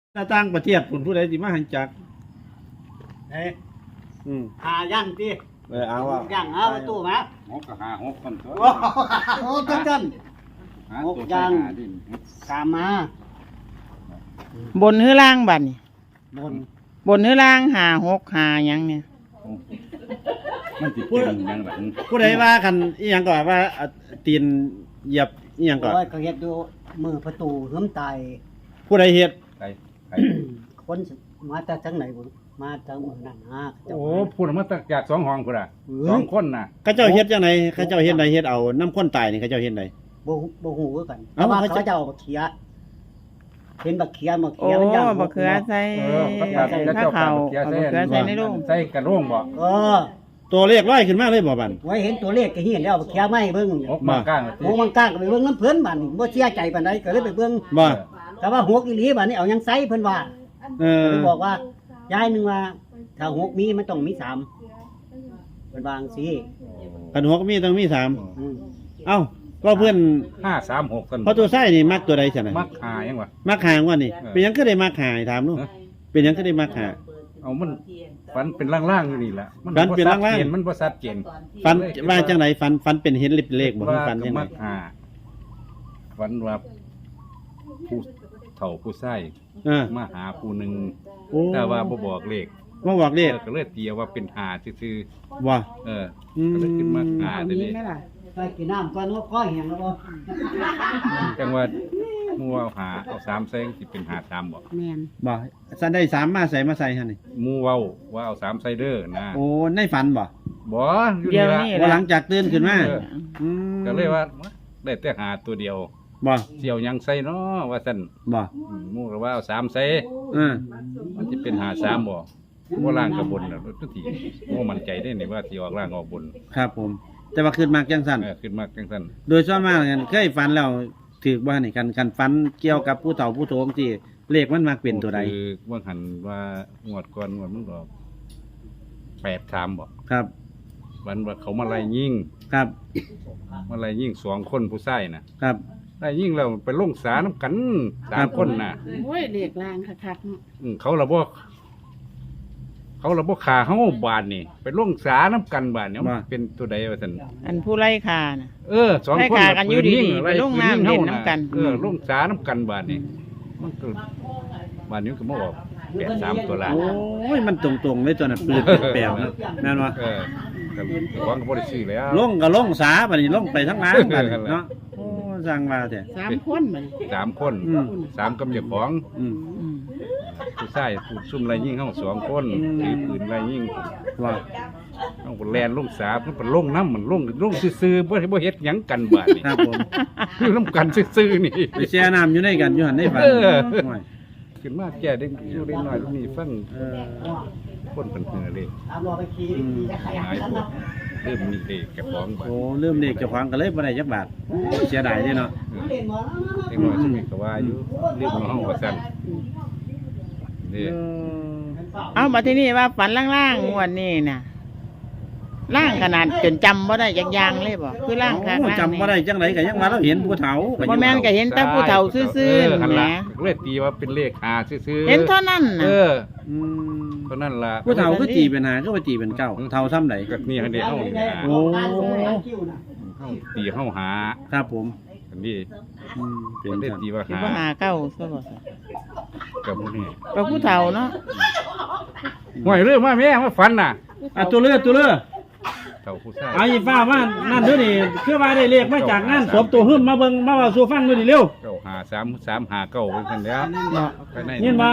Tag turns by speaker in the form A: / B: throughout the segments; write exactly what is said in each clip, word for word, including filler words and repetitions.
A: ถ้าต่างประเทศผลผู้ใดสิมาหันจัก
B: เฮ้ย
A: อืม
B: หาย่างตี
A: เออเอาว่า
B: ย่างเอาประตู้มา
C: หกก็หาหกคนตัว
B: โอ้โหจังจัน
C: หา
B: หก
C: ตัว
B: อย่าง
C: หาดิ
B: สามมา
D: บนหรือล่างบัดนี่
B: บน
D: บนหรือล่างหาหกหาหยังเนี่ย
C: มันติดเป็นอยังหลัง
A: ผู้ใดว่ากันอีหยังก็ว่าอ่ะตีนเหยียบอีหยังก็
B: โอ้ยก็เฮ็ดดูมือประตูเหิมตาย
A: ผู้ใดเฮ็ด
C: ใครใคร
B: คนมาจากจังไหนบุมาจากเมืองนั่นฮะ
C: โอ้พูดมาตั้งจากสองห้องพุ่นอ่ะ
B: เอ้ย
C: สองคนน่ะ
A: เขาเจ้าเฮ็ดจังไดเขาเจ้าเฮ็ดใดเฮ็ดเอาน้ำข้นตายนี่เขาเจ้าเฮ็ดใด
B: บ่บ่ฮู้คือกัน
A: เอ้า
B: แต่ว่า
A: เขาจะ
B: เขาจะเอาบักเขียเห็นบักเขียบัก
D: โอ้
B: เขียมันย่าง
D: บักเขือใส่
C: เออพระบาท
D: ใส่
C: พระ
D: ข้าว
C: เจ้า
D: เขา
C: ปากเขีย
D: เอาบักเขือใส่ในโรง
C: ใส่กระโรงบ่
B: เออ
A: ตัวเลขร้อยขึ้นมาเลยบ่บัน
B: ไว้เห็นตัวเลขก็เห็นแล้วบักเขียไม่เบิ่ง
C: หกมาก้าง
B: หกมันก้างก็ไปเบิ่งน้ำเพิ่นบัดนี้บ่เชื่อใจปานใดก็เลยไปเบิ่ง
A: บ่
B: แต่ว่าหกอีหลีบัดนี้เอายังไซเพิ่นว่า
A: เออ
B: เพิ่นบอกว่ายายหนึงว่าถ้าหกมีมันต้องมีสามเพิ่นวาจั่งซี่
A: กันหัวก็มีต้องมีสาม
B: อืม
A: เอ้าก็เพื่อน
C: ห้าสามหกกัน
A: เพราะตัวไส้นี่มักตัวใดซั่นน่ะ
C: มักหายังวะ
A: มักหางว่านี่
C: เออ
A: เป็นหยังก็ได้มักหาถามหนู
C: ฮะ
A: เป็นหยังก็ได้มักหา
C: เอามันฝันเป็นล่างๆอยู่นี่แหละ
A: ฝันเป็นล่างๆ
C: บ่ชัดเจมันบ่ชัดเจน
A: ฟันว่าจังไดฟันฟันเป็นเห็นเลขเลขบ่
C: ว่า
A: ฟัน
C: ก็
A: จังได
C: มักหาฝันว่าผู้เฒ่าผู้ชาย
A: เออ
C: มาหาผู้หนึ่ง
A: โอ้
C: แต่ว่าบ่บอกเลข
A: มาบอกเลข
C: เออก็เลยตีว่าเป็นหาซื่อ
A: ว่า
C: ๆเออ
A: อืม
C: ก็เลยขึ้นมาหา
D: เอา
C: เดี๋ยว
D: มี
C: นี้
D: ไหมล่ะ
B: ไปกินน้ำก่อนว่าคอแห้งแล้วบ่
C: จังว่าหมู่เอาหาเอาสามใส่สิเป็นหาสามบ่
D: แมน
A: บ่สันได้สามมาใส่มาใส่หั่นนี่
C: หมู่เว้าว่าเอาสามใส่เด้อนะ
A: โอ้ในฝันบ่
C: บ่อยู่
D: เดี๋
C: นี่
D: ยว
C: ละ
D: นี้
A: ว่าห
D: ล่ะ
A: ลังจากตื่นขึ้นมา
C: เออ
A: อืม
C: ก็เลยว่าได้แต่หาตัวเดียว
A: บ่
C: เสี่ยวหยังใส่เนาะว่าซั่น
A: บ่
C: อืมหมู่ก็ว่าเอาสามใส่
A: เออ
C: มันสิเป็นหาสามบ่บ่ล่างกับบนน่ะทุกทีบ่มั่นใจได้นี่ว่าสิออกล่างออกบน
A: ครับผม แต่ว่าขึ้นมากจังซั่น
C: เออขึ้นมาจังซั่น
A: โดยส่วนมากกันเคยฝันแล้วถือบ่นี่กันกันฝันเกี่ยวกับผู้เฒ่าผู้โถมที่เลขมันมักเป็นตัวใด
C: คือว่าหันว่างวดก่อนงวดมันก็แปดสามบ่
A: ครับ
C: วันว่าเขามาไล่ยิง
A: ครับ
C: มาไล่ยิงสองคนผู้ชายนะครับ ไล่ยิงแล้วไปลงสาน้ำกันสามคนน่ะ
D: โอ้ยเรียกลางคักๆเนาะ
C: อืมเขาระบ่เขาระบ่ขาเฮาบาดนี่ไปลงสาน้ำกันบาดเนี่ยมันเป็นตัวใดว่าซั่น
D: อันผู้ไล่คาน่ะ
C: เออสอง
D: ไล่
C: คน
D: ขากันอยู่ดีๆ
C: ไล่
D: ไปลงน้ำ
C: ปืยิ
D: เล่น
C: ฮา
D: น้ำกัน
C: เออลงสาน้ำกันบาดนี่มันก็บาดนี้มันก็มาออกแปดสามตัวละ
A: โอ้ยมันตรงๆเลยตัวน่ะปืนแปลวๆนะแม่นบ่
C: เออแต่ของก็บ่ได้ซื้อแล้ว
A: ลงก็ลงสาบัดนี้ลงไปทั้งร้านบัดนี้เนาะโอ้สั่งว่าแท้
D: สามคนมัน
C: สามคน
A: อืม
C: สามกับเจ้าของ
A: อืม
D: อืม
C: ผู้ชายผู้ซุ่มไล่ยิงเฮาสองคน
A: อืม
C: ถือปืนไล่ยิง
A: ว่า
C: เฮาก็แล่นลงสามันเป็นลงน้ำมันลงลงซื่อๆบ่ได้บ่เฮ็ดหยังกันบาดนี่
A: ครับผม
C: คือน้ำกันซื่อๆนี่
A: ไปแช่น้ำอยู่ในกันอยู่หั่นในฝัน
C: เออ
A: โอ้ย
C: ขึ้นมาแก่ได้อยู่ได้น้อยนี่ฟัง
A: เออ
C: คนเป็นเหือเลย
B: ตามรอไปขี่
A: อืม
B: ขี่จักรยาน
C: หายพวกเริ่มมีเด็กแก่ของบาด
A: โอ้ลืมเลขเจ้าของก็เลยบ่ได้จักบาทเสียดายเด้เนาะ
B: เล่นหมอแล้ว
C: เด็กน้อยสมัยก็ว่าอยู่เรื่องของเฮาว่าซั่นนี่
D: เอามาที่นี่ว่าฝันล่างๆงวดนี้น่ะล่างขนาดจนจำบ่ได้จักอย่างเลยบ่คือล่างคัก
A: โอ้
D: ล่าง
A: จำบ่ได้จังไดก็ยังว่าเราเห็นผู้เฒ่าก็
D: บ่
A: ยัง
D: แม่นก็เห็นแต่ผู้เฒ่าซื่อ
C: เอ
D: ๆ
C: หั่น
D: แหม
C: ล่ะก็เลยตีว่าเป็นเลขหาซื่อๆ
D: เห็นเท่านั้น
C: เอ
D: น่ะ
C: อ
A: อืม
C: เท่านั้นล่ะ
A: ผู้เฒ่าคือตีเป็นหาคือว่าตีเป็นเก้าเฒ่าซ้ำใด
C: ก็นี่ให้เด็กเฮานี่หา
A: โอ้
C: เฮาตีเฮาหา
A: ครับผม
C: อันนี้
A: อืมเป็
C: เป็น นได้
A: ซั่น
C: ตีว่า
D: คิด
C: หา
D: ว่าหาเก้าซะบ่ซะ
C: กับพวกนี้
D: ก็ผู้เฒ่าเนาะ
C: ห่วยเรื่องมาแม่มาฝันน่ะ
A: อ่ะตัวเลือตัวเลือ
C: เฒ่าผู้ชาย
A: เอาอีฟ้าว่านั่นเด้อนี่คือว่าได้เลขมาจากงานศพตัวหึ่มมาเบิ่งมาเว้าสู่ฟังดูดิเร็ว
C: เก้าหาสามสามหาเก้าเป็นซั่นแล้ว
D: เนาะ
C: ไปใน
A: ยินบ่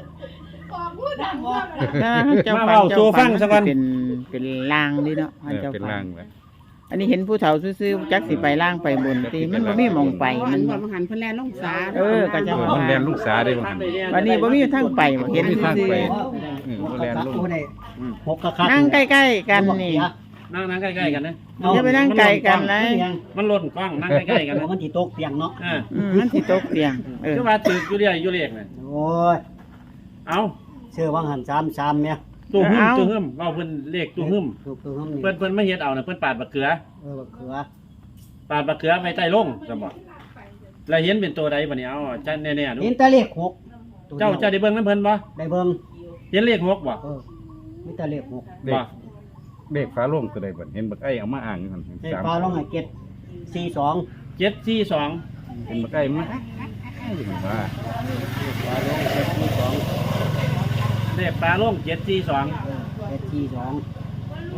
D: ถ้าเจ้า
A: มา
D: ฝัน
A: เว้า
D: เจ้า
A: สู่ฟั
D: ฝั
A: ง
D: น
A: ซะก่อน
D: เป็นเป็นล่างดิเนาะ
C: เออ
D: เจ้า
C: เป็น
D: ฝั
C: ร่าน งแหละ
D: อันนี้เห็นผู้เฒ่าซื่อๆจักสิไปล่างไปบนตีมันบ่มีหมองไปมัน
E: ว่ามันหันเพิ่นแลนลงสา
D: เออก็จะ
C: เออ
D: ว่า
C: มันแล่นลูกสาได้บ่หั่น
D: วันนี้บ่มีทางไปบ่เห็น
C: บ่มีทาง
D: ซื่อ
C: ไป
B: เออบ่แล่นลงหกกะคัก
D: ๆนั่งใกล้ๆกันนี่
A: นั่งนั่งใกล้ๆกันนะ
D: อย่าไปนั่งไกลกันเลย
A: มันหล่นกล้องนั่งใกล้ๆกันนะ
B: มันสิตกเตียงเนาะ
A: อ่า
D: อืมมันสิตกเตียงเออ
A: คือว่าถืออยู่เรื่อยอยู่เลขน่ะ
B: โอ้ย
A: เอา
B: เชื่อว่าหันสามสามเนี่ย
A: ตัวหึ่มตัวหึ่มเว้าเพิ่นเลขตัวหึ่ม
B: ถูกตัวห้องนี่
A: เพิ่นเพิ่นมาเฮ็ดเอาน่ะเพิ่นปาดบักเขือ
B: เออบักเขือ
A: ปาดบักเขือไว้ใต้ลงจะบอกแล้วเห็นเป็นตัวใดบัดนี้เอาจันแน่ๆดู
B: เห็นแต่เลขหกตัว
A: เจ้า
B: ดียว
A: เจ้าได้เบิ่งน้ำเพิ่นบ่
B: ได้เบิ่ง
A: เห็นเลขหกบ่
B: เออมีแต่เลขหก
C: เด็
A: บ่
C: กเด็กฟ้าโล่งตัวใดบัดเห็นบักไอ้เอามาอ่างกัน
B: เลข
C: สาม
B: ฟ้าลงให้เจ็ดสี่สอง
A: เจ็ดสี่สอง
C: เห็นบักไอ้มาว่า
B: ฟ้าลงเจ็ดสี่สอง
A: เลขปลาโล่งเจ็ดสี่สอง
B: เจ็ดสี่สอง
A: โอ้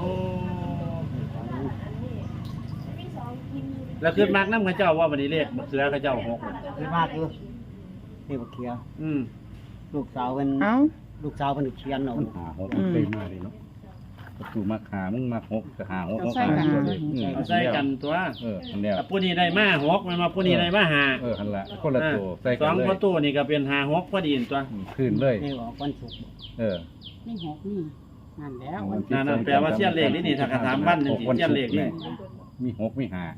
A: แล้วขึ้นมากน้ำเขาเจ้าว่าวันนี้เลขบักเสือเขาเจ้าหกน่ะ
B: คือมากอยู่เลขบักเขีย
A: อืม
B: ลูกสาวเป็น
D: เอ้า
B: ลูกสาวเป็นเขียนเอา
C: มันหาหกมันเคยมาเลยเนาะประตูมาหามึงมาหกก็หาหกหกหาตัวเลย
A: เอาใส่กันตัว
C: เอออันเดียว
A: แต่ผู้นี้ได้มาหกมันมาผู้นี้ได้มาหา
C: เออหันละคนละตัวใส่
A: ส
C: กั
A: อน ง
C: เลย
A: ประตูนี่ก็เป็นหาหกพอดีตัว
C: ขึ้นเลย
B: เลขออกวันศุกร์
C: เออ
D: นี่หกนี่นั่นแล้ว
A: นั่นนั่นแปลว่าเสี้ยนเลขนี่นี่ถ้ากระถามบ้านนี่สิเสี้ยนเลขนี่
C: มีหกมีห้า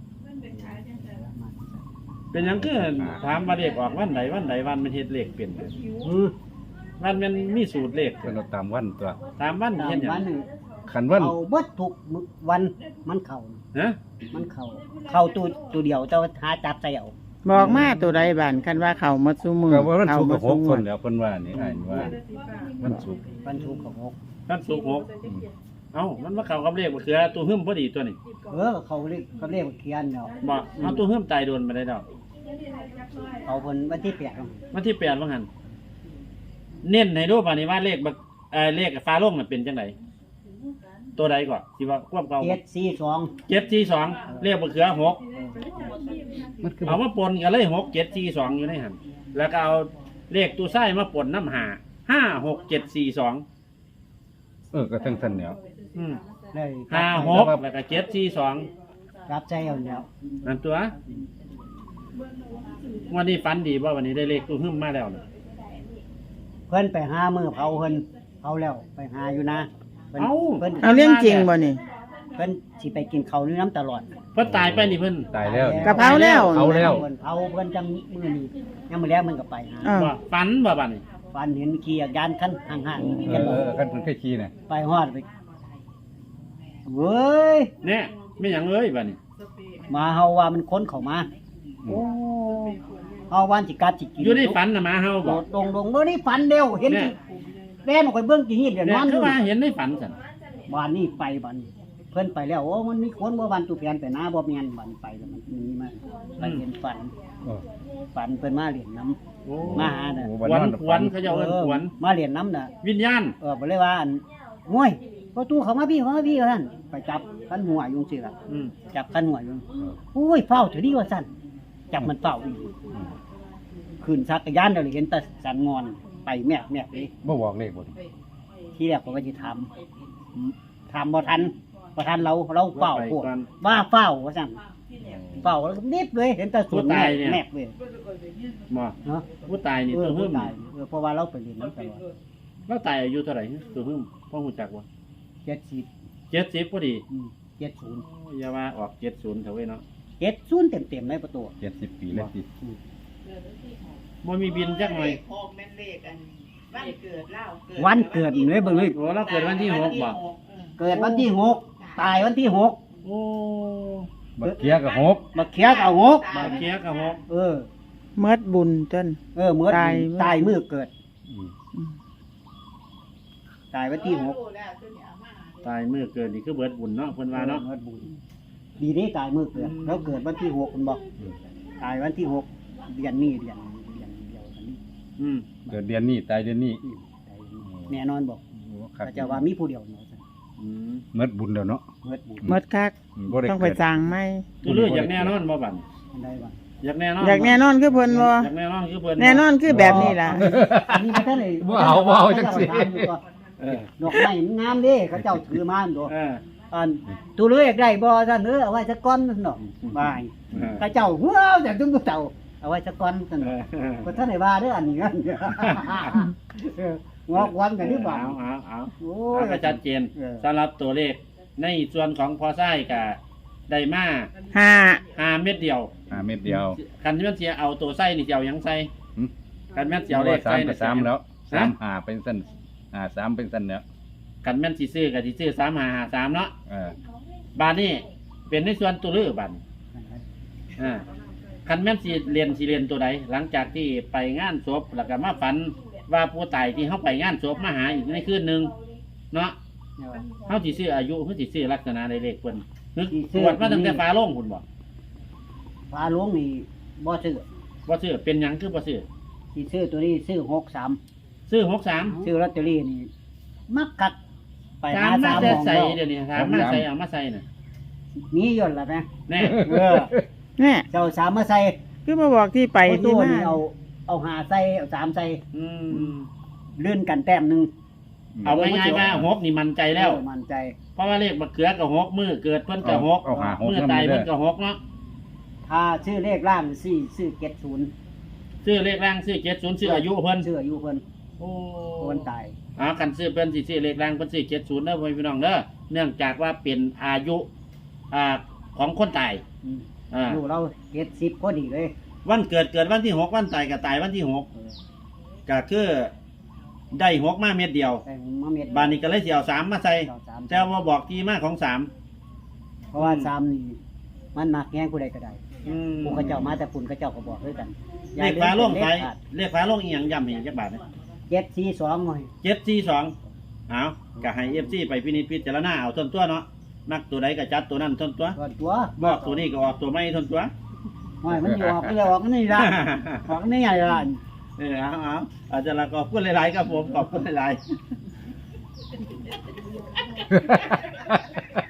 A: เป็นหยังคือถามว่าเลขออกวันไหนวันไหนวันมันเฮ็ดเลขเป็น
B: อืม
A: วันมันมีสูตรเลข
C: เป็นเราตามวันตัว
A: ตามวัน
B: ตา
A: เฮ็
B: ม
A: ดหยั
B: วัน
A: ง
B: หนึ่ง
C: ขันวัน
B: เอาเบิดทุกมื้อวันมันเข่า
A: ฮะ
B: มันเข่าเข่าตัวตัวเดียวแต่ว่าหาจับใจเอา
D: บอกมาตัวใดบ้านคันว่าเขามาซุมือ
C: ก็ว่ามัน
D: เขา
C: สุก
D: มา
C: กับห
D: ซุ
C: ก
D: มื
C: ค
D: อน
C: แล้วเพิ่นว่านี่อ่านว่ามันสุก
B: วันศุกร์กับหก
A: ท่านสุกหกเอ้ามันมาเข้ากับเลขบ่คือตัวหึ่มพอดีตัวนี้
B: เออเขาเรียกเขาเรียกว่าเขียนเนาะ
A: บ่เอาตัวหึ่มตายโดนมาได้ดอก
B: เขาเพิ่นวันที่แปดเนาะ
A: วันที่แปดว่างั้นเน้นให้ดูป่ะนี่ว่าเลขบักเอ่อเลขฟ้าโลงน่ะเป็นจังไดตัวใดก่อนที่ว่าควบเก่า
B: เจ็ดสี่สอง
A: เจ็ดสี่สองเลขบักเขือหก
C: มันคือ
A: เอามาปนกันเลยหกเจ็ดสี่สองอยู่ในหันแล้วก็เอาเลขตู้ไส้มาปนน้ำหาห้าหกเจ็ดสี่สอง
C: เออก็ทั้งสั้นแล้ว
A: อืม
B: เลย
A: ห้าหกแล้วก็เจ็ดสี่สอง
B: รับใจเอาแล้ว
A: นั่นตัววันนี้ฟันดีว่าวันนี้ได้เลขตู้หึ่มมาแล้วนะ
B: เพิ่นไปหามือเผาเพิ่นเผาแล้วไปหาอยู่นะเพิ่นเพิ่น
D: เอาเรื่องจริงบ่นี่
B: เพิ่นสิไปกินข้าวนี่น้ำตลอด
A: เพิ่นตายไปนี่เพิ่น
C: ตายแล้ว
D: กะเพราแล้ว
C: เผาแล้ว
B: เพิ่นเผาเพิ่นจังมื้อนี้ยังมื้อแล้วมันก็ไปหา
D: อ้าว
A: ว่าฟันบ่บัดนี้
B: ฟันเห็นขี่จักรยานคันห่างๆ
C: เอ
B: เห็น
C: อ
B: บ่
C: เออคันเพิ่นเคยขี่น่ะ
B: ไปฮอดไปเว้ย
A: เนี่ยไม่หยังเอ้ยบัดนี้
B: มาเฮาว่ามันค้นเข้ามา
C: โอ้
B: เฮาว่าสิกัดสิกิน
A: อยู่ในฝันน่ะหมาเฮา
B: โด
A: บ่
B: ดลงลงเมื่อนี้ฝันเร็วเห็น
A: เนี่
B: สิ
A: ย
B: แล่นออกไปเบิ่งกี่หินเดี๋ยวน
A: เนี่ย
B: อนอ
A: คือยู่ ว่าเห็นในฝันซั่น
B: บ้านนี้ไปบ้านนี้เพิ่นไปแล้วโอ้มันมีคนบ่บ้านตุแผนไปหน้าบ่แม่นบ้านไปแล้วมันมีมาไปเห็นฝัน
C: เออ
B: ฝันเพิ่นมาเล่นน้ำ
A: โอ้
B: มาหาน่ะ
C: โอ้
A: ขวัญขวัญเขาเจ้าเอิ้นขวัญ
B: มาเล่นน้ำน่ะ
A: วิญญาณ
B: เออบ่เลยว่าอันโอ้ยประตูเข้ามาพี่เข้ามาพี่ว่าซั่นไปจับคันหัวอยู่จังซี่ล่ะ
A: อืม
B: จับคันหัวอยู่โอ้ยเฝ้าเถอะดีว่าซั่นจับมันเฝ้าอีกขึ้นจักรยานเดี๋ยวนี้เห็นแต่สันงอนไปแมบแมบเลย
C: บ่บอกเลขบ่
B: ที่แรกผมก็จะทำทำบ่ทันบ่ทันเราเราเฝ้าพวกว่าเฝ้าว่าสั่งเฝ้าแล้วก็นิบเลยเห็นแต่ส่วนแมบแมบเลย
A: บ่
B: เนาะ
A: ผู้ตายนี่
B: เออ
A: ตัวหึ่ม
B: ตายเออเพราะว่าเราไปเรียนน้ำตลอด
A: แล้วตายอายุเท่าไหร่ตัวหึ่มพ่อฮู้จักบ่
B: เจ็ดสิบ
A: เจ็ดสิบพอดี
B: เจ็ดศูนย์
A: อย่าว่าออกเจ็ดศูนย์เถอะเว้ยเนาะ
B: เจ็ดศูนย์เต็มเต็มๆในประตู
C: เจ็ดสิบปีแล้วสิ
A: บ่มีบินจักหน่อย
E: ออกแม่นเลขอันวันเกิดเล่าเกิด
B: วันเกิดเลยเบิ่งเลย
A: โอ้เราเกิดวันที่หกบ่
B: เกิดวันที่หกตายวันที่หก
A: โอ้
C: บักเกียร์ก็หก
B: มาเคียกเอาหก
A: บาเคียกับหก
B: เออ
D: เมิดบุญจน
B: เออเมื่อ
D: ตาย
B: ตายมือเกิด
C: อืม
D: อืม
B: ตายวันที่หก
A: ตายมื้อเกิดนี่คือเบิดบุญเนาะเพิ่นว่าเนาะ
B: เมื่อบุญดีนี้ตายมือเกิดเราเกิดวันที่หกคุณบอก
C: อืม
B: ตายวันที่หกเดือนนี้เดือนเดือนเดียวกันนี้
A: อืม
C: เกิดเดือนนี้ตายเดือนนี้
B: อืมตายแน่นอนบอก
C: โอ้ครับ
B: แต่จะว่ามีผู้เดียวเนาะ
A: อืม
C: เมิดบุญแล้วเนาะ
B: เมื่อบุญ
D: เมิดคัก
C: อืมบ่ด้
D: ต้องไป
C: เกิด
D: สร้างไหม
A: ตัวเลืออยากแน่นอนบ่บัด
B: อันใดบ้าง
A: อยากแน่นอน
D: อยากแน่นอนคือเพิ่นบ่
A: อยากแน่นอนคือเพิ่น
D: แน่นอนคือแบบนี้ล่ะ
B: อันนี้มาท่านเลย
C: บ่เอาบ่เอาจังซี่
A: เออ
B: ดอกไม้มันงามเด้เขาเจ้าถือมาอันตัว
A: เออ
B: อันตัวเลือยากได้บ่ซั่นเออเอาไว้สักก้อนนั่นเนาะบาย
A: เออ
B: เขาเจ้าว้าวจากจุ้งเจ้าเอาไว้สักก้อนซั่น
A: เอ
B: เนาะ
A: อ
B: ก็ท่านได้ว่าเด้ออันนี้กันเอองอกวันกันนี่บ่า
A: เอาเอาเอา
B: โอ้
A: เอา
B: ย
A: ก็ชัดเจน
B: เออ
A: สำหรับตัวเลขในส่วนของพอไส้กับไดมา
D: ห้า
A: ห้าเม็ดเดียว
C: ห้าเม็ดเดียว
A: คันที่มันเสียเอาตัวไส้นี่จะเอาหยังใส่
C: หึ
A: คันแม่นสิเสียวเลข
C: สา
A: ไส้
C: มไป
A: นี่
C: สามแล้วสาม
A: ฮะ
C: หาเป็นสั้นหาสามเป็นสั้นแล้ว
A: คันแม่นสิซื้อกับสิซื้อสามหาหาสามเนาะ
C: เออ
A: บาทนี่เป็นในส่วนตัวเลือกบาทนี่อ่าคันแม่นสิเรียนสิเรียนตัวใดหลังจากที่ไปงานศพแล้วก็มาฝันว่าผู้ตายที่เขาไปงานศพมาหาอีกในคืนหนึ่งเนาะเขาสิซื้ออายุเขาสิซื้อลักษณะในเลขเพิ่นนึกตรวจมาตั้งแต่ฟ้าโล่งคุณบอก
B: ฟ้าหลวงนี่บ่ซื้อ
A: ว่าซื้อเป็นหยังคือบ่ซื้อ
B: สิซื้อตัวนี้ซื้อหกสาม
A: ซื้อหกสาม
B: ซื้อลอตเตอรี่นี่มักกักไป
A: สา
B: หาม
A: มา
B: สามห
A: ใส่
B: มอง
A: ใส่
B: แล้ว
A: เดี๋ยวนี้สามมาใส่เอามาใส่น่ะ
B: มีย่นละนะ
A: แน่
B: เออ
D: แน่
B: เจ้าสามมาใส่
D: คือมาบอกที่ไป
B: เอา
D: ที่
B: ตัว
D: มา
B: นี่เอาเอาหาใส่เอาสามใส่
A: อืม
B: เลื่อนกันแต้มหนึ่ง
A: เอาง่ายๆว่าหกนี่มันใจแล้ว
B: เออมั่นใจ
A: เพราะว่าเลขบักเขือกับหกมือเกิดเพิ่นกับหก
C: เอาหาหก
A: มือตายเพิ่นกับหกเนาะ
B: ถ้าชื่อเลขล่างสี่ซื้อเจ็ดศูนย์
A: ซื้อเลขร่างซื้อเจ็ดศูนย์ซื้ออายุเพิ่น
B: ชื่ออายุเพิ่น
A: โอ้
B: คนตาย
A: อ่ากันซื้อเพิ่นสิซื้อเลขร่างเพิ่นซื้อเจ็ดศูนย์เด้อพ่อพี่น้องเด้อเนื่องจากว่าเป็นอายุอ่าของคนตาย
B: อืม
A: อ่า
B: อายุเราเจ็ดสิบพอดีเลย
A: วันเกิดเกิดวันที่หกวันตายก็ตายวันที่หก
B: เออ
A: ก็คือได้หกมาเม็ดเดียว
B: แต่มาเม็ด
A: บานนี้ก็เลยสิเอาสามมาใส่
B: เอาสาม
A: แต่ว่าบอกที่มาของสาม
B: เพราะว่าสามนี่มันมักแย่งผู้ใดก็ได้
A: อืม
B: ผู้เขาเจ้ามาแต่ปุ่นเขาเจ้าก็บอกด้วยกัน
A: เลขฟ้าโล่งไฟเลขฟ้าโล่งอีหยังย้ำให้จักบาทนะ
B: เจ็ดสี่สองหน่อย
A: เจ็ดสี่สองเอาก็ให้เอฟซีไปพินิจพิจารณาเอาทนตัวเนาะมักตัวใดก็จัดตัวนั้นทนตัว
B: ก่อนตัว
A: บอกตัวนี้ก็ออกตัวไม่ทนตัว
B: หน่อยมันอยู่ออกก็เลยออกนี่ละออกนี่ไงล่ะ
A: เออเอาเอาอาจารย์ก็ขอบคุณหลายๆครับผมขอบคุณหลายๆ